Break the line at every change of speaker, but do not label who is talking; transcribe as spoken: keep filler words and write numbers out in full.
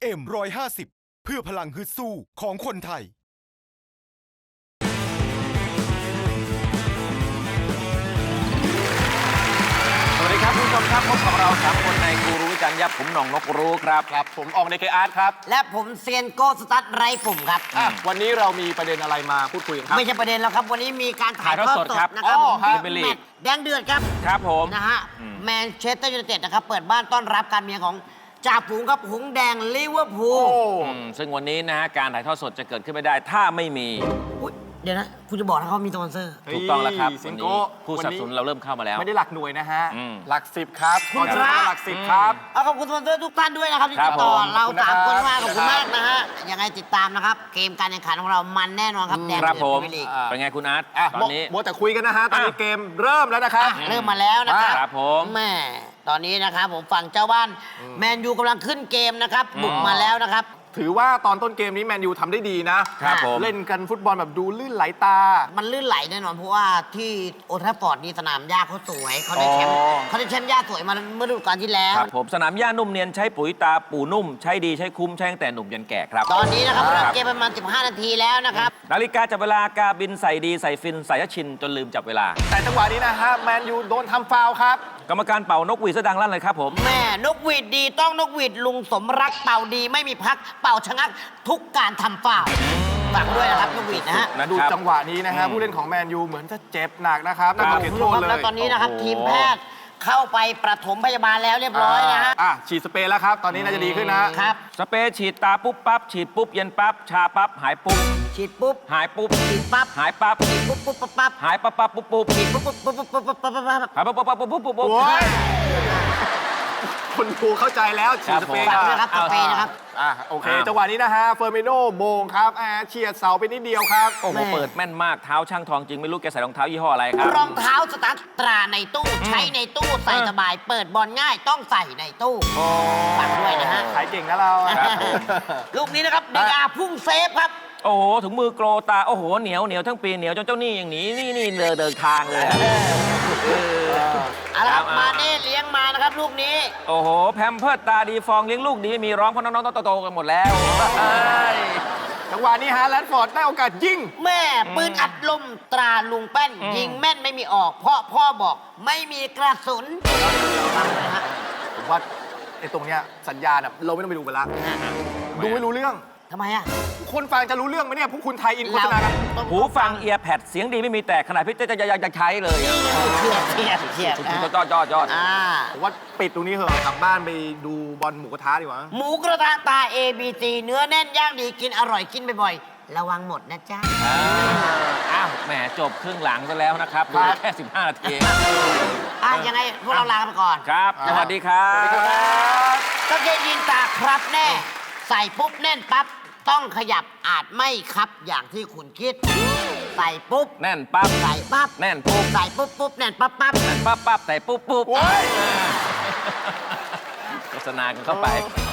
เอ็ม ร้อยห้าสิบ เพื่อพลังฮึดสู้ของคนไทย
สวัสดีครับคุณผู้ชมครับพบกับเราสามคนในกูรู้จันยับผมหน่องนกรู้ครับครับผมอองเดกอาร์ตครับ
และผมเซียนโก้สตั๊ดไรปุ่มครับ
วันนี้เรามีประเด็นอะไรมาพูดคุยกันครับ
ไม่ใช่ประเด็นแล้วครับ วันนี้มีการถ่ายทอดสด
ครับ
นะครับ
อ๋อครับ
แมตช์แดงเดือดครับ
ครับผม
นะฮะแมนเชสเตอร์ยูไนเต็ดนะครับเปิดบ้านต้อนรับการเมียของจ่าฝูงครับหงส์แดงลิเวอร์พูล
อืมซึ่งวันนี้นะฮะการถ่ายทอดสดจะเกิดขึ้นไม่ได้ถ้าไม่มี
อุ๊ยเดี๋ยวนะ คุณจะบอกนะเขามีสปอนเซอร์
ถูกต้องแล้วครับ
ซิ
วัน
ง
นี้
โก้
ผู้สนับสนุนเราเริ่มเข้ามาแล้ว
ไม่ได้หลักหน่วยนะฮะ
อืม
หลักสิบครับ
คุณพระ
หลักสิบครับ
เอาขอบคุณสปอนเซอร์ทุกท่านด้วยนะครับที่
ครั
ติ
บ
ดต่อ
ผม
เรา
ขอบคุณ
สามคน
นะครับ
มากขอบคุณมากนะฮะยังไงติดตามนะครับ เกมการแข่งขันของเรามันแน่นอนครับแดง
ครับ
เดือด
ผม
พรีเมียร์ลีก
อ่า
เป็นไงคุณอาร์ต
อ่ะ
ตอนนี้
มัวแต่คุยกันนะฮะ ตอนนี้
อ่ะ
เกมเริ่มแล้วนะครับ
อ่ะเริ่มมาแล้วนะครับ
ครับผม
แม่ตอนนี้นะครับผมฝั่งเจ้าบ้านแมนยูกำลังขึ้นเกมนะครับบุกมาแล้วนะครับ
ถือว่าตอนต้นเกมนี้แมนยูทำได้ดีนะครับ
ผม
เล่นกันฟุตบอลแบบดูลื่นไหลตา
มันลื่นไหลแน่นอนเพราะว่าที่โอลด์แทราฟฟอร์ดนี่สนามหญ้าเขาสวยเขาได้แชมป์
อ๋อ
เขาได้แชมป์หญ้าสวยมาเมื่อฤดูกาลที่แล้ว
ครับผมสนามหญ้านุ่มเนียนใช้ปุ๋ยตาปูนุ่มใช้ดีใช้คุ้มใช้ตั้งแต่หนุ่มยันแก่ครับ
ตอนนี้นะครับ
ครับ
เริ่มเกมประมาณสิบห้านาทีแล้วนะครับ
นาฬิกาจับเวลากาบินใส่ดีใส่ฟินใส่ยชินจนลืมจับเวลา
แต่จังหวะนี้นะฮะแมนยูโดนทำฟาวล์ครับ
กรรมการเป่านกหวีดซะดังลั่นเลยครับผม
แม่นกหวีดดีต้องนกหวีดลุงสมรักเป่าดีไม่มีพักเป่าชะงักทุกการทำฝ่าวฝากด้วยนะครับนกหวีดนะฮะ
นะครับ
ดูจังหวะนี้นะฮะผู้เล่นของแมนยูเหมือนจะเจ็บหนักนะครับน่า
ค
จะ
รับ
เก็บ
คุณ
โท
ผู้ชม
ษ
ครับ
เล
แล้ว
ย
ตอนนี้นะครับ
โอ้โห
ทีมแพทย์เข้าไปประถมพยาบาลแล้วเรียบร้อยนะฮะ
อ่ะฉีดสเปรย์แล้วครับ ตอนนี้น่าจะดีขึ้นนะ
ครับ
สเปรย์ฉีดตาปุ๊บปั๊บฉีดปุ๊บเย็นปั๊บชาปั๊บหายปุ๊บ
ฉีดปุ๊บ
หายปุ๊บ
ฉีดปั๊บ
หายปั๊บ
ฉีดปุ๊บปุ๊บปั๊บปั๊บ
หายปั๊บปั๊บปุ๊บปุ๊บ
ฉีดปุ๊บปุ๊บปุ๊บปุ๊บปุ๊บปุ๊บปุ๊บปุ๊บ
หายปั๊บปั๊บปั๊บปุ๊บปุ๊บปุ๊บปุ๊บ
โอ้ยคุณครูเข้าใจแล้วฉีดสเปรย์
ฝากด้วย
ค
ค
รั
รับ บสเปรย์นะครับ
อ่ะโอเค
อ้าว
จังหวะนี้นะฮะเฟอร์มิโนโมงครับอ่าเฉียดเสาไปนิดเดียวครับ
โอ้โห
แม่
เปิดแม่นมากเท้าช่างทองจริงไม่รู้แกใส่รองเท้ายี่ห้ออะไรครับ
รองเท้าสตาร์ทตราในตู้ใช้ในตู้ใส่สบาย เปิดบอลง่ายต้องใส่ในตู้ฝากด้วยนะฮะ
ขายเก่งนะเรา
ครับผม
ลูกนี้นะครับเดกาพุ่งเซฟครับ
โอ้โหถุงมือโกรตาโอ้โหเหนียวเหนียวทั้งปีเหนียวจนเจ้าหนี้อย่างหนี้นี่นี่เดินเดินทางเลยอะเออ
เอาละครับ
เอา
มาเน่เลี้ยงมานะครับลูกนี้
โอ้โหแพมเพิร์ดตาดีฟองเลี้ยงลูกดีไม่มีร้องเพราะน้องๆโตๆกันหมดแล้วเอ้ย
จังหวะนี้ฮะแรดฟอร์ดได้โอกาสยิง
แม่ปืนอัดลมตราลุงแป้น
อืม
ยิงแม่นไม่มีออก เพราะพ่อบอกไม่มีกระสุนฟังเลยนะฮะ
ผมว่าไอ้ตรงเนี้ยสัญญาณอะเราไม่ต้องไปดูกันละดูไม่รู้เรื่อง
ทำไมอ่ะ
คนฟังจะรู้เรื่องไหมเนี่ยพวกคุณไทยอินโฆษณากัน
ต้อง
หูฟังเอียร์แพดเสียงดีไม่มีแต่ขนาดพี่เต้จะยังจะใช้เลยอะ
เทียบเทียบเทียบนะ
ยอดยอดยอด
อ่า
ผมว่าปิดตรงนี้เหอะกลับบ้านไปดูบอลหมูกระทะดีกว่า
หมูกระทะตา เอ บี ซี เนื้อแน่นย่างดีกินอร่อยกินบ่อยๆ ระวังหมดนะจ๊ะ
อ่าอ้าวแหมจบครึ่งหลังซะแล้วนะครับเหลือแค่สิบห้านาที
อ่ะยังไงพวกเราลากันไปก่อน
ครับ สวัสดีครับ
ก็เกยินตาครับแน่ ใส่ปุ๊บแน่นปั๊บ ต้องขยับอาจไม่ครับอย่างที่คุณคิด ใส่ปุ๊บ
แน่นปั๊บ
ใส่ปั๊บ
แน่นปุ๊บ
ใส่ปุ๊บปุ๊บแน่นปั๊บปั๊บ
แน่นปั๊บปั๊บใส่ปุ๊บปุ๊บ
โอ้ย
โฆษณากันเข้าไป